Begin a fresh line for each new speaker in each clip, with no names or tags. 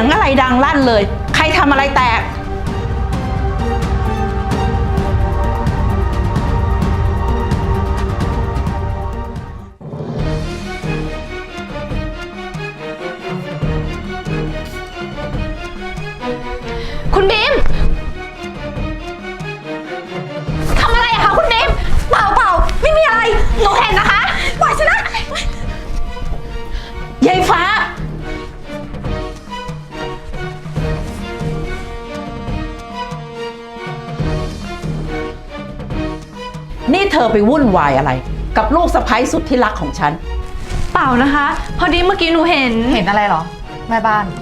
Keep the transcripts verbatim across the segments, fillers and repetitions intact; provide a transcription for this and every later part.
ยงอะไรดังลั่นเลยใครทำอะไรแตก
คุณบีมทำอะไรอะคะคุณบีมเปล่าเปล่าไม่มีอะไรหนูเห็นนะคะปล่อยฉันนะ
ยายฟ้านี่เธอไปวุ่นวายอะไร กับลูกสะใภ้สุดที่รักของฉัน
เปล่านะคะพอดีเมื่อกี้หนูเห็น
เห็นอะไรเหรอแม่บ้าน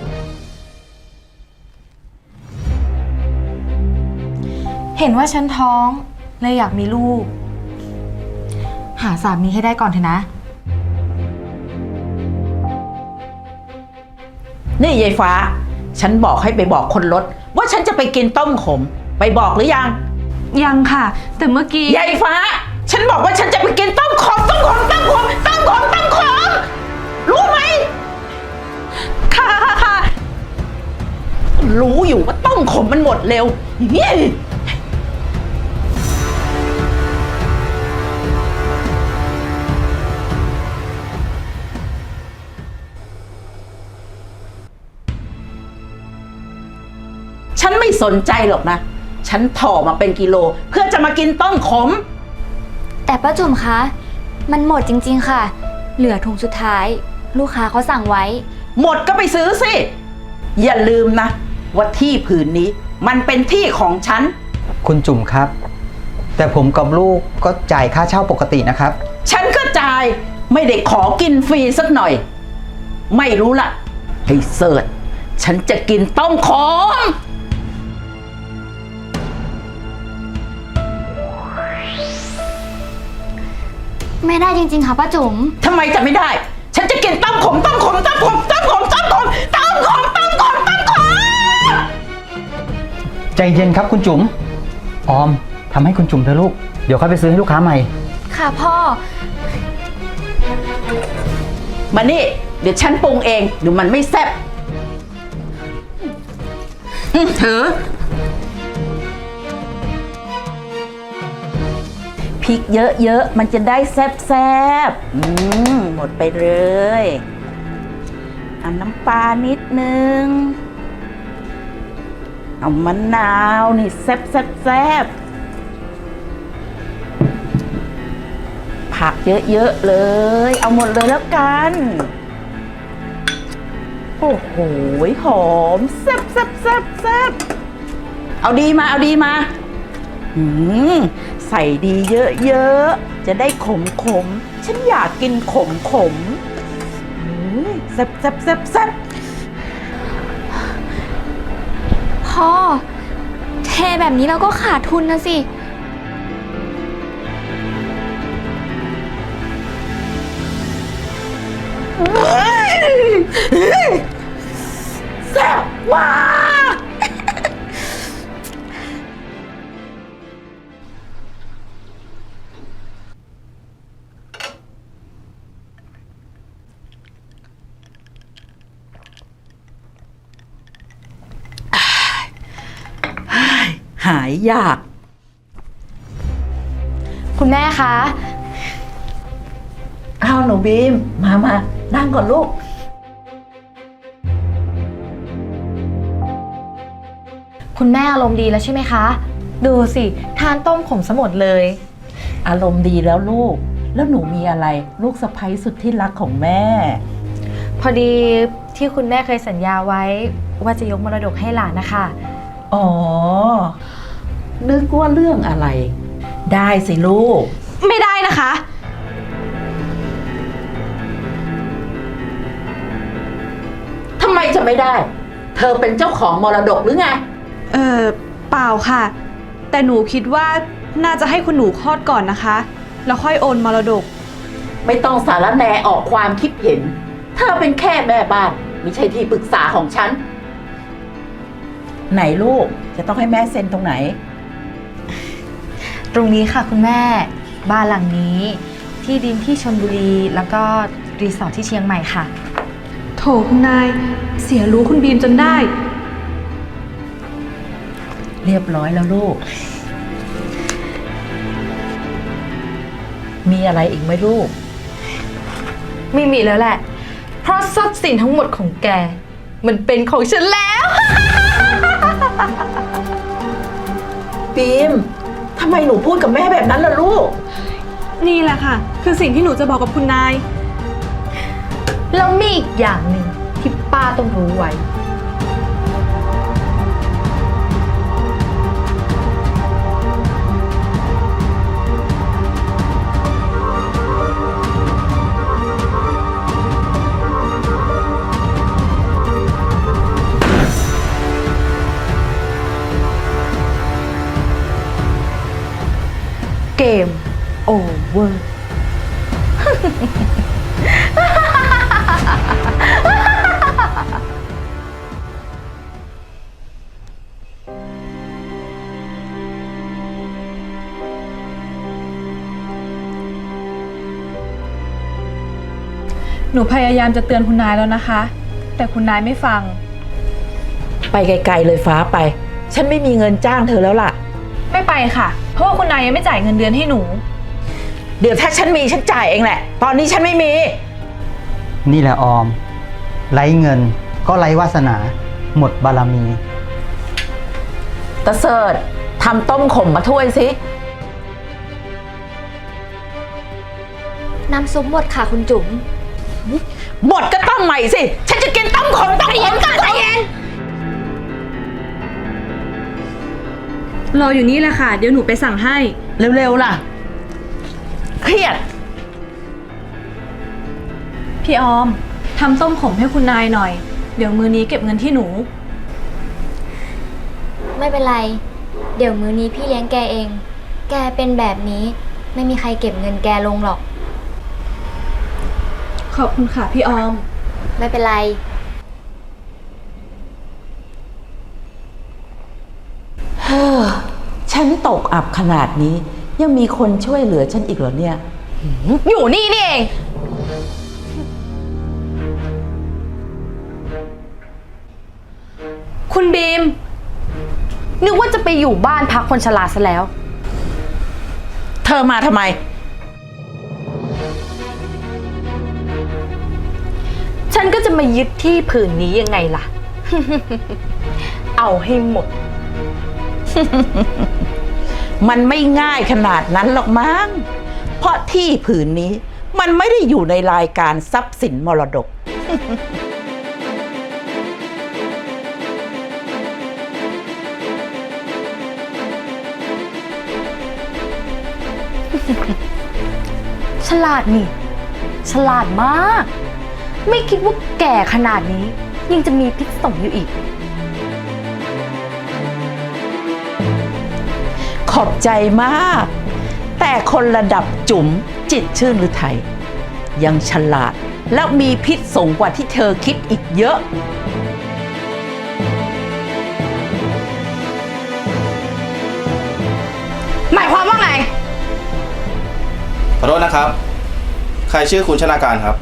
เห็นว่าฉันท้องเลยอยากมีลูกหาสามีให้ได้ก่อนเถอะนะ
นี่ยายฟ้าฉันบอกให้ไปบอกคนรถว่าฉันจะไปกินต้มขมไปบอกหรือยัง
ยังค่ะแต่เมื่อกี้
ยายฟ้าฉันบอกว่าฉันจะไปกินต้มขมต้มขมต้มขมต้มขมต้มขมรู้ไหม
ค่ะค่ะค่ะ
รู้อยู่ว่าต้มขมมันหมดเร็วนี่ฉันไม่สนใจหรอกนะฉันถ่อมาเป็นกิโลเพื่อจะมากินต้มขม
แต่ป้าจุ๋มคะมันหมดจริงๆค่ะเหลือถุงสุดท้ายลูกค้าเขาสั่งไว้
หมดก็ไปซื้อสิอย่าลืมนะว่าที่ผืนนี้มันเป็นที่ของฉัน
คุณจุ๋มครับแต่ผมกับลูกก็จ่ายค่าเช่าปกตินะครับ
ฉันก็จ่ายไม่ได้ขอกินฟรีสักหน่อยไม่รู้ละให้เสิร์ชฉันจะกินต้มขม
ไม่ได้จริงๆค่ะป้าจุ๋ม
ทำไมจะไม่ได้ฉันจะกินต้มขมต้มขมต้มขมต้มขมต้มขมต้มขมต้มขมต้มขม
ใจเย็นครับคุณจุ๋มออมทำให้คุณจุ๋มเถอะลูกเดี๋ยวค่อยไปซื้อให้ลูกค้าใหม่
ค่ะพ่อ
มานี่เดี๋ยวฉันปรุงเองเดี๋ยวมันไม่แซ่บเธอพริกเยอะๆมันจะได้แซ่บๆอืมหมดไปเลยเอาน้ำปลานิดนึงเอามะนาวนี่แซ่บแซ่บแซ่บผักเยอะๆเลยเอาหมดเลยแล้วกันโอ้โหหอมแซ่บแซ่บแซ่บแซ่บเอาดีมาเอาดีมาอืมใส่ดีเยอะๆจะได้ขมขมฉันอยากกินขมขมแซ่บแซ่บแซ่บแซ่บ
พ่อเทแบบนี้เราก็ขาดทุนนะสิ
แซ่บมากหายยาก
คุณแม่คะ
อ้าวหนูบีมมามานั่งก่อนลูก
คุณแม่อารมณ์ดีแล้วใช่ไหมคะดูสิทานต้มขมซะหมดเลย
อารมณ์ดีแล้วลูกแล้วหนูมีอะไรลูกสะใภ้สุดที่รักของแม่
พอดีที่คุณแม่เคยสัญญาไว้ว่าจะยกมรดกให้หลานนะคะ
อ๋อนึกว่าเรื่องอะไรได้สิลูก
ไม่ได้นะคะ
ทำไมจะไม่ได้เธอเป็นเจ้าของมรดกหรือไง
เออเปล่าค่ะแต่หนูคิดว่าน่าจะให้คุณหนูคลอดก่อนนะคะแล้วค่อยโอนมรดก
ไม่ต้องสารแหนออกความคิดเห็นเธอเป็นแค่แม่บ้านไม่ใช่ที่ปรึกษาของฉันไหนลูกจะต้องให้แม่เซ็นตรงไหน
ตรงนี้ค่ะคุณแม่บ้านหลังนี้ที่ดินที่ชลบุรีแล้วก็รีสอร์ทที่เชียงใหม่ค่ะ
โถคุณนาย เสียรู้คุณบีมจนได้
เรียบร้อยแล้วลูก มีอะไรอีกไหมลูก
ไม่มีแล้วแหละ เพราะทรัพย์สินทั้งหมดของแก มันเป็นของฉันแล้ว
บีม ทำไมหนูพูดกับแม่แบบนั้นล่ะลูก
นี่แหละค่ะ คือสิ่งที่หนูจะบอกกับคุณนาย
แล้วมีอีกอย่างหนึ่งที่ป้าต้องรู้ไว้ เกมโอเวอร์
หนูพยายามจะเตือนคุณนายแล้วนะคะ แต่คุณนายไม่ฟัง
ไปไกลๆเลยฟ้าไป ฉันไม่มีเงินจ้างเธอแล้วล่ะ
ไม่ไปค่ะ เพราะว่าคุณนายยังไม่จ่ายเงินเดือนให้หนู
เดี๋ยวถ้าฉันมีฉันจ่ายเองแหละ ตอนนี้ฉันไม่มี
นี่แหละออม ไร้เงินก็ไร้วาสนา หมดบารมี
ตะเสิร์ตทำต้มขมมาถ้วยสิ
น้ำซุปหมดค่ะคุณจุ๋ม
หมดก็ต้มใหม่สิ ฉันจะกินต้มขมต้มขมกันใจเย็น
รออยู่นี่แหละค่ะ เดี๋ยวหนูไปสั่งให้
เร็วๆล่ะ เครียด
พี่ออมทำต้มขมให้คุณนายหน่อย เดี๋ยวมือนี้เก็บเงินที่หนู
ไม่เป็นไร เดี๋ยวมื้อนี้พี่เลี้ยงแกเอง แกเป็นแบบนี้ ไม่มีใครเก็บเงินแกลงหรอก
ขอบคุณค่ะพี่ออม
ไม่เป็นไร
เฮ้อ ฉันตกอับขนาดนี้ ยังมีคนช่วยเหลือฉันอีกเหรอเนี่ย
อยู่นี่นี่เอง คุณบีม นึกว่าจะไปอยู่บ้านพักคนชราซะแล้ว
เธอมาทำไม
ฉันก็จะมายึดที่ผืนนี้ยังไงล่ะ เอาให้หมด
มันไม่ง่ายขนาดนั้นหรอกมั้ง เพราะที่ผืนนี้มันไม่ได้อยู่ในรายการทรัพย์สินมรดก
ฉลาดนี่ ฉลาดมาก ไม่คิดว่าแก่ขนาดนี้ ยังจะมีพิษสงอยู่อีก
ขอบใจมาก แต่คนระดับจุ๋มจิตรชื่นหรือไทย ยังฉลาดแล้วมีพิษสงกว่าที่เธอคิดอีกเยอะ
หมายความว่าไง
ขอโทษนะครับ ใครชื่อคุณชนาการครับ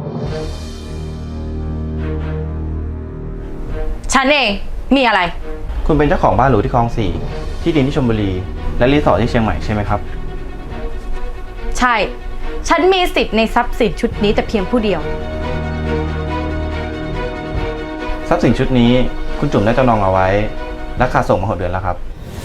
ฉันเอง มีอะไร
คุณเป็นเจ้าของบ้านหรูที่คลองสี่ ที่ดินที่ชลบุรี และรีสอร์ทที่เชียงใหม่ใช่ไหมครับ
ใช่ ฉันมีสิทธิ์ในทรัพย์สินชุดนี้แต่เพียงผู้เดียว
ทรัพย์สินชุดนี้คุณจุ๋มได้จำนองเอาไว้และค่าส่งมาหกเดือนแล้วครับ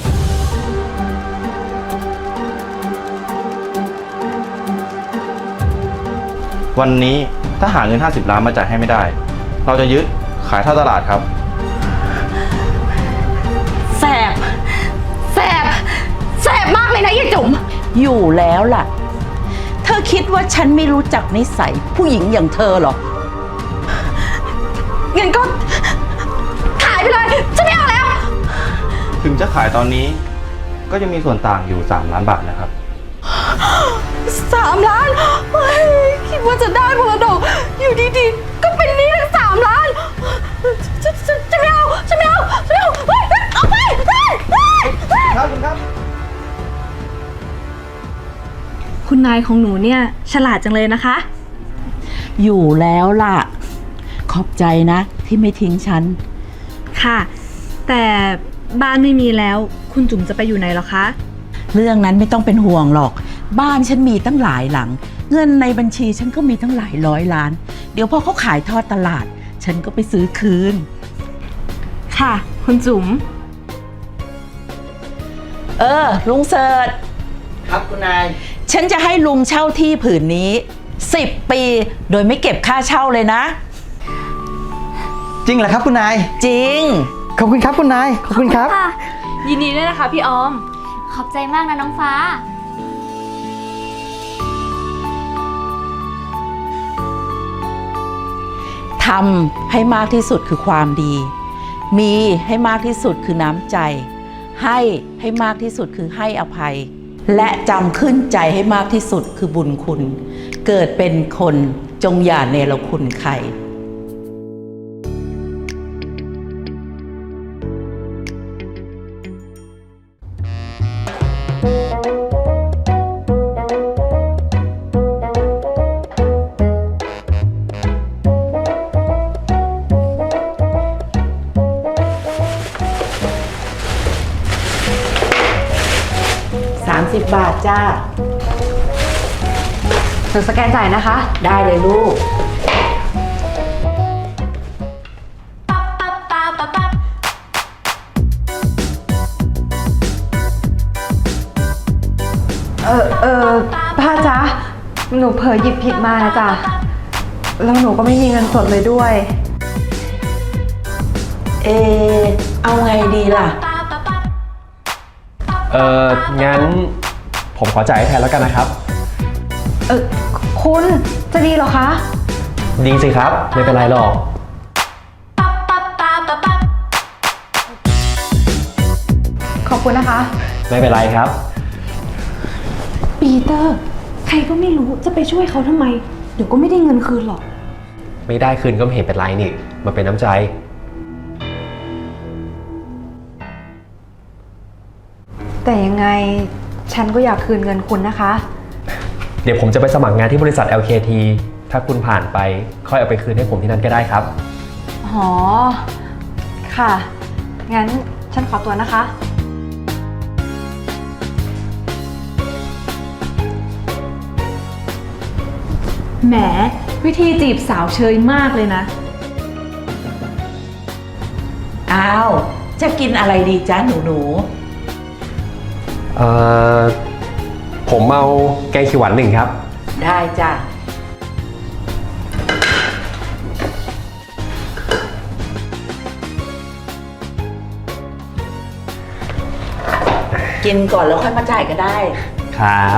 วันนี้ถ้าหาเงินห้าสิบล้านมาจ่ายให้ไม่ได้ เราจะยึดขายท่าตลาดครับ
แสบ แสบ แสบมากเลยนะยายจุ๋ม
อยู่แล้วล่ะ เธอคิดว่าฉันไม่รู้จักนิสัยผู้หญิงอย่างเธอเหรอ
เงินก็ขายไปเลย ฉันไม่เอาแล้ว
ถึงจะขายตอนนี้ก็จะมีส่วนต่างอยู่สามล้านบาทนะครับ
สามล้านเฮ้ยคิดว่าจะได้มรดกอยู่ดีๆ ก็เป็นหนี้ทั้งสามล้านฉันฉันฉันไม่เอาฉันไม่เอาฉันไม่เอาเฮ้ยเอาไปเฮ้ยเฮ้ยเฮ้ย
ครับคุณครับ
คุณนายของหนูเนี่ยฉลาดจังเลยนะคะ
อยู่แล้วล่ะขอบใจนะที่ไม่ทิ้งฉัน
ค่ะ แต่บ้านไม่มีแล้ว คุณจุ๋มจะไปอยู่ไหนหรอคะ
เรื่องนั้นไม่ต้องเป็นห่วงหรอก บ้านฉันมีตั้งหลายหลัง เงินในบัญชีฉันก็มีตั้งหลายร้อยล้าน เดี๋ยวพอเขาขายทอดตลาด ฉันก็ไปซื้อคืน
ค่ะ คุณจุ๋ม
เออ ลุงเสิร์ช
ครับคุณนาย
ฉันจะให้ลุงเช่าที่ผืนนี้สิบปี โดยไม่เก็บค่าเช่าเลยนะ
จริงเหรอครับคุณนาย
จริง
ขอบคุณครับคุณนาย ขอบคุณครับ
ค่ะ
ยินดีด้วยนะคะพี่ออม
ขอบใจมากนะน้องฟ้า
ทำให้มากที่สุดคือความดี มีให้มากที่สุดคือน้ำใจ ให้ให้มากที่สุดคือให้อภัย และจำขึ้นใจให้มากที่สุดคือบุญคุณ เกิดเป็นคนจงอย่าเนรคุณใคร สามสิบบาทจ้า
เดี๋ยวสแกนจ่ายนะคะ
ได้เลยลูก
เออเออป้าจ๊ะ หนูเผลอหยิบผิดมานะจ๊ะ แล้วหนูก็ไม่มีเงินสดเลยด้วย
เอ เอาไงดีล่ะ
เอองั้นผมขอจ่ายให้แทนแล้วกันนะครับ
เออคุณจะดีเหรอคะ
ดีสิครับ ไม่เป็นไรหรอก
ขอบคุณนะคะ
ไม่เป็นไรครับ
ปีเตอร์ ใครก็ไม่รู้จะไปช่วยเขาทำไม เดี๋ยวก็ไม่ได้เงินคืนหรอก
ไม่ได้คืนก็ไม่เห็นเป็นไรนี่มันเป็นน้ำใจ
แต่ยังไงฉันก็อยากคืนเงินคุณนะคะ
เดี๋ยวผมจะไปสมัครงานที่บริษัท แอล เค ที ถ้าคุณผ่านไปค่อยเอาไปคืนให้ผมที่นั่นก็ได้ครับ
อ๋อ ค่ะ งั้นฉันขอตัวนะคะ แหม วิธีจีบสาวเชยมากเลยนะ
อ้าว จะกินอะไรดีจ้าหนูหนู
เอ่อ ผมเอาแกงเขียวหวานหนึ่งครับ
ได้จ้ะ กินก่อนแล้วค่อยมาจ่ายก็ได้
ครับ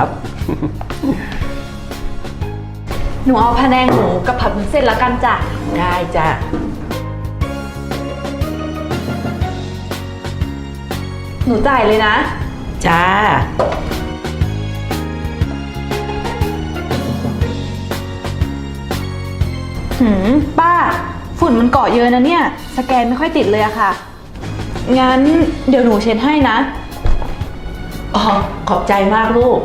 หนูเอาพะแนงหมูกับผัดวุ้นเส้นแล้วกันจ้ะ
ได้จ้ะ
หนูจ่ายเลยนะ
จ้า
หืม ป้า ฝุ่นมันเกาะเยอะนะเนี่ย สแกนไม่ค่อยติดเลยอะค่ะ งั้นเดี๋ยวหนูเช็ดให้นะ
อ๋อ ขอบใจมากลูก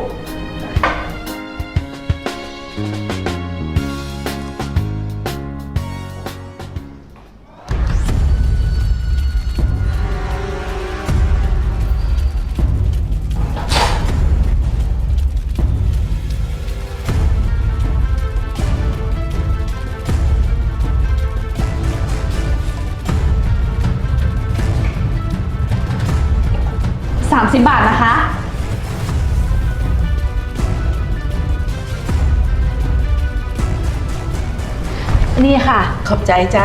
สามสิบบาทนะคะ นี่ค่ะ
ขอบใจจ้า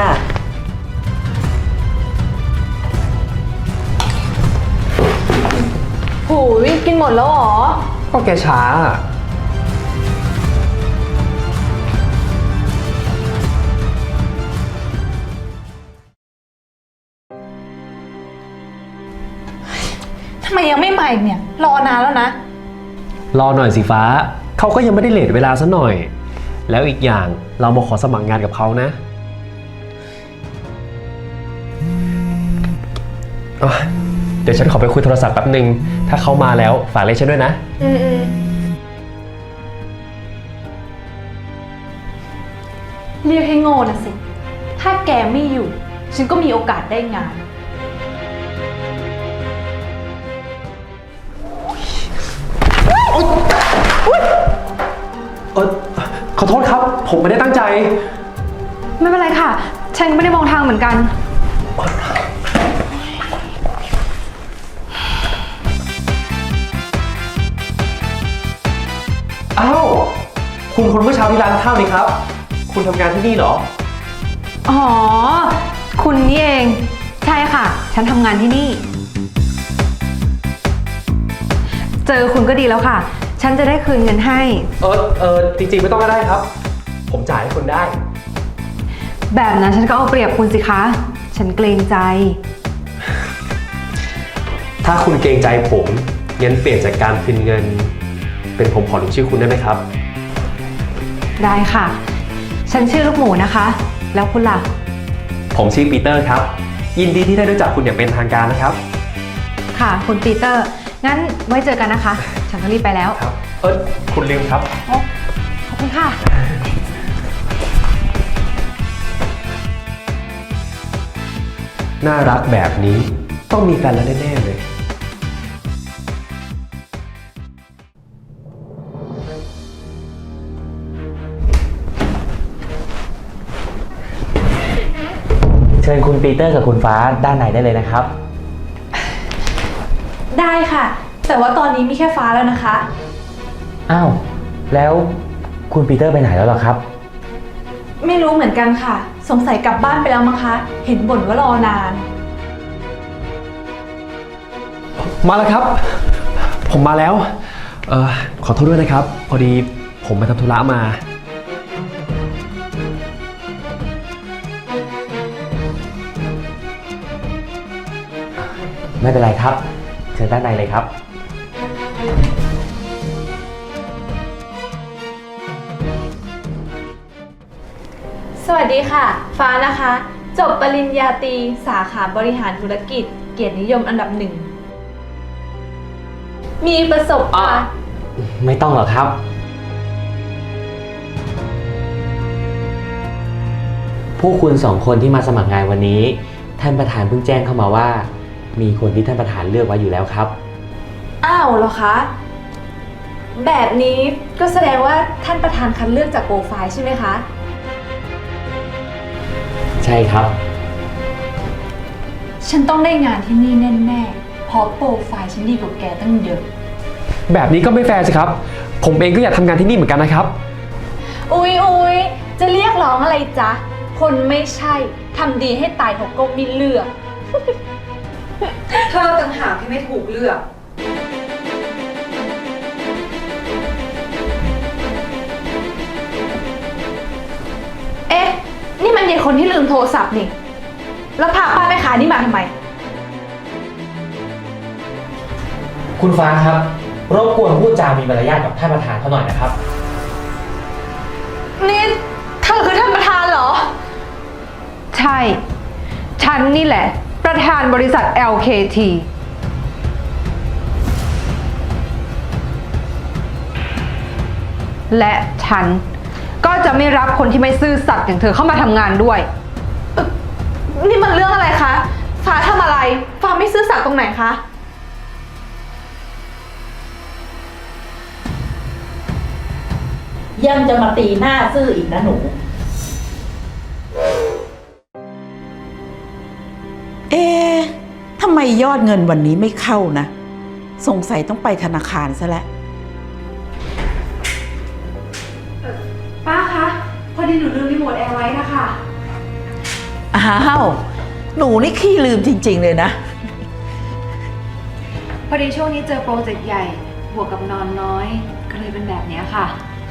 หูยกินหมดแล้วเหรอ
ก็แกช้า
ทำไมยังไม่มาอีกเนี่ย รอนานแล้วนะ
รอหน่อยสิฟ้า เขาก็ยังไม่ได้เลทเวลาซะหน่อย แล้วอีกอย่างเรามาขอสมัครงานกับเขานะอ่ะเดี๋ยวฉันขอไปคุยโทรศัพท์แป๊บนึง ถ้าเขามาแล้วฝากเรียกฉันด้วยนะ
อืมอืมเรียกให้โง่นะสิ ทถ้าแกไม่อยู่ ฉันก็มีโอกาสได้งาน
เออขอโทษครับ ผมไม่ได้ตั้งใจ
ไม่เป็นไรค่ะ ฉันไม่ได้มองทางเหมือนกัน
อ้าว คุณคนเมื่อเช้าที่ร้านข้าวนี่ครับ คุณทำงานที่นี่เหรอ
อ๋อ คุณนี่เอง ใช่ค่ะ ฉันทำงานที่นี่ เจอคุณก็ดีแล้วค่ะ ฉันจะได้คืนเงินให้
เออเออจริงๆไม่ต้องก็ได้ครับ ผมจ่ายให้คุณได้
แบบนั้นฉันก็เอาเปรียบคุณสิคะ ฉันเกรงใจ
ถ้าคุณเกรงใจผมงั้นเปลี่ยนจากการคืนเงิน เป็นผมขอลงชื่อคุณได้ไหมครับ
ได้ค่ะ ฉันชื่อลูกหมูนะคะ แล้วคุณล่ะ
ผมชื่อปีเตอร์ครับ ยินดีที่ได้รู้จักคุณอย่างเป็นทางการนะครับ
ค่ะ คุณปีเตอร์ งั้นไว้เจอกันนะคะ ฉันต้องรีบไปแล้ว
ครับ เออคุณลืมครับ
ขอบคุณค่ะ
น่ารักแบบนี้ต้องมีแฟนแล้วแน่ๆเลย
เชิญคุณปีเตอร์กับคุณฟ้าด้านในได้เลยนะครับ
ได้ค่ะ แต่ว่าตอนนี้มีแค่ฟ้าแล้วนะคะ
อ้าว แล้วคุณปีเตอร์ไปไหนแล้วเหรอครับ
ไม่รู้เหมือนกันค่ะ สงสัยกลับบ้านไปแล้วมั้งคะ เห็นบ่นว่ารอนาน
มาแล้วครับ ผมมาแล้ว เออขอโทษด้วยนะครับ พอดีผมไปทำธุระมา
ไม่เป็นไรครับ เชิญด้านในเลยครับ
สวัสดีค่ะ ฟ้านะคะ จบปริญญาตรีสาขาบริหารธุรกิจ เกียรตินิยมอันดับหนึ่ง มีประสบการณ์
ไม่ต้องหรอกครับ ผู้คุณสองคนที่มาสมัครงานวันนี้ ท่านประธานเพิ่งแจ้งเข้ามาว่า มีคนที่ท่านประธานเลือกไว้อยู่แล้วครับ
อ้าวเหรอคะ แบบนี้ก็แสดงว่าท่านประธานคัดเลือกจากโปรไฟล์ใช่ไหมคะ
ใช่ครับ
ฉันต้องได้งานที่นี่แน่ๆ เพราะโปรไฟล์ฉันดีกว่าแกตั้งเยอะ
แบบนี้ก็ไม่แฟร์สิครับ ผมเองก็อยากทำงานที่นี่เหมือนกันนะครับ
อุ๊ยอุ๊ยจะเรียกร้องอะไรจ๊ะ คนไม่ใช่ทำดีให้ตายเขาก็ไม่เลือก เธอต่างหากที่ไม่ถูกเลือก เอ๊ะ นี่มันเด็กคนที่ลืมโทรศัพท์นี่ แล้วพาป้าไปขายนี่มาทำไม
คุณฟ้าครับ รบกวนพูดจามีมารยาทกับท่านประธานเขาหน่อยนะครับ
นี่เธอคือท่านประธานเหรอ ใช่ ฉันนี่แหละ ประธานบริษัท แอล เค ที และฉันก็จะไม่รับคนที่ไม่ซื่อสัตย์อย่างเธอเข้ามาทำงานด้วยนี่มันเรื่องอะไรคะ ฟ้าทำอะไร ฟ้าไม่ซื่อสัตย์ตรงไหนคะ
ยังจะมาตีหน้าซื่ออีกนะหนู เอ๊ะทำไมยอดเงินวันนี้ไม่เข้านะ สงสัยต้องไปธนาคารซะแล้ว
ป้าคะ พอดีหนูลืมรีโมทแอร์ไว้นะคะ
อ้าว หนูนี่ขี้ลืมจริงๆเลยนะ
พอดีช่วงนี้เจอโปรเจกต์ใหญ่ บวกกับนอนน้อย ก็เลยเป็นแบบนี้ค่ะ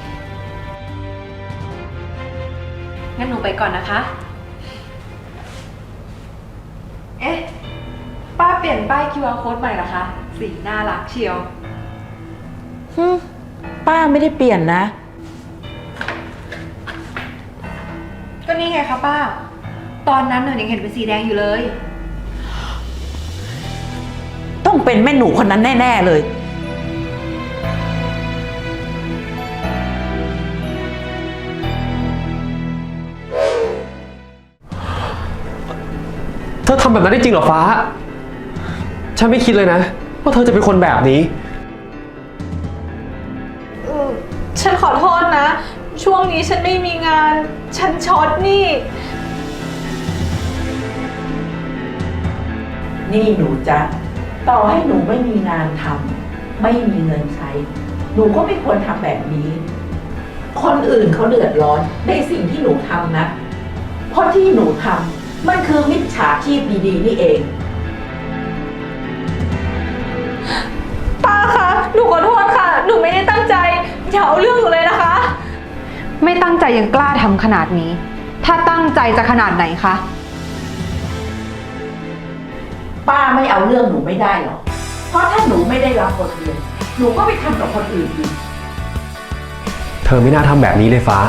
งั้นหนูไปก่อนนะคะ เอ๊ะ ป้าเปลี่ยนป้าย คิว อาร์ code ใหม่เหรอคะ สีน่ารักเชียว
ฮึป้าไม่ได้เปลี่ยนนะ
ก็นี่ไงคะป้า ตอนนั้นหนูยังเห็นเป็นสีแดงอยู่เลย
ต้องเป็นแม่หนูคนนั้นแน่ ๆ เลย
ำแบบนั้นได้จริงเหรอฟ้า ฉันไม่คิดเลยนะว่าเธอจะเป็นคนแบบนี้
ฉันขอโทษนะ ช่วงนี้ฉันไม่มีงาน ฉันช็อตหนี่
นี่หนูจ๊ะต่อให้หนูไม่มีงานทำไม่มีเงินใช้ หนูก็ไม่ควรทำแบบนี้ คนอื่นเขาเดือดร้อนในสิ่งที่หนูทำนะ เพราะที่หนูทำมันคือมิจฉาชีพดีๆนี่เอง
ป้าคะ หนูขอโทษค่ะ หนูไม่ได้ตั้งใจ อย่าเอาเรื่องหนูเลยนะคะ
ไม่ตั้งใจยังกล้าทำขนาดนี้ ถ้าตั้งใจจะขนาดไหนคะ
ป้าไม่เอาเรื่องหนูไม่ได้หรอก เพราะถ้าหนูไม่ได้รับบทเรียน หนูก็ไปทำกับคนอื่นอีก
เธอไม่น่าทำแบบนี้เลยฟ้า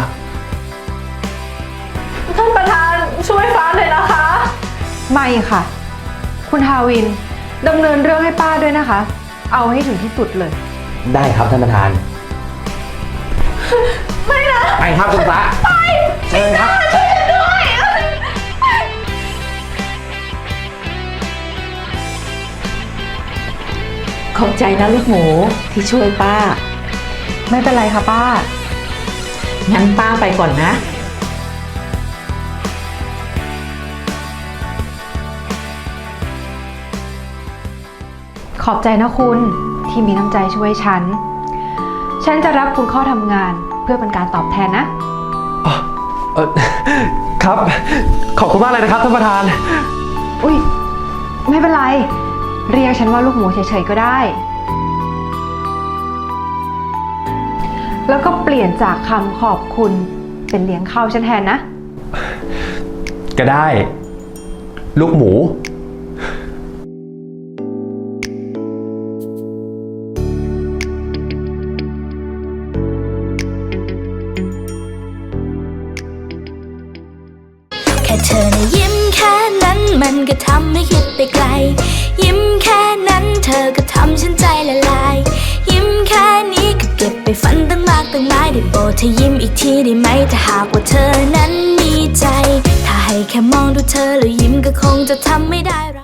ท่านประธานช่วยฟ้าหน่อยนะคะ
ไม่ค่ะ คุณทาวินดำเนินเรื่องให้ป้าด้วยนะคะ เอาให้ถึงที่สุดเลย
ได้ครับท่านประธาน
ไม่นะ
ไปครับคุณฟ้า
ไป
เชิญครับ
ช่วยฉันด้วย
ขอบใจนะลูกหมูที่ช่วยป้า
ไม่เป็นไรค่ะป้า
งั้นป้าไปก่อนนะ
ขอบใจนะคุณที่มีน้ำใจช่วยฉัน ฉันจะรับคุณเข้าทำงานเพื่อเป็นการตอบแทนนะ
เออครับ ขอบคุณมากเลยนะครับท่านประธาน
อุ้ยไม่เป็นไร เรียกฉันว่าลูกหมูเฉยๆก็ได้ แล้วก็เปลี่ยนจากคำขอบคุณเป็นเลี้ยงข้าวฉันแทนนะ
ก็ได้ ลูกหมู
แค่เธอนะยิ้มแค่นั้นมันก็ทำให้คิดไปไกล ยิ้มแค่นั้นเธอก็ทำฉันใจละลาย ยิ้มแค่นี้ก็เก็บไปฝันตั้งมากตั้งหลายได้โปรดเธอยิ้มอีกทีได้ไหมถ้าหากว่าเธอนั้นมีใจ ถ้าให้แค่มองดูเธอแล้วยิ้มก็คงจะทำไม่ได้หรอก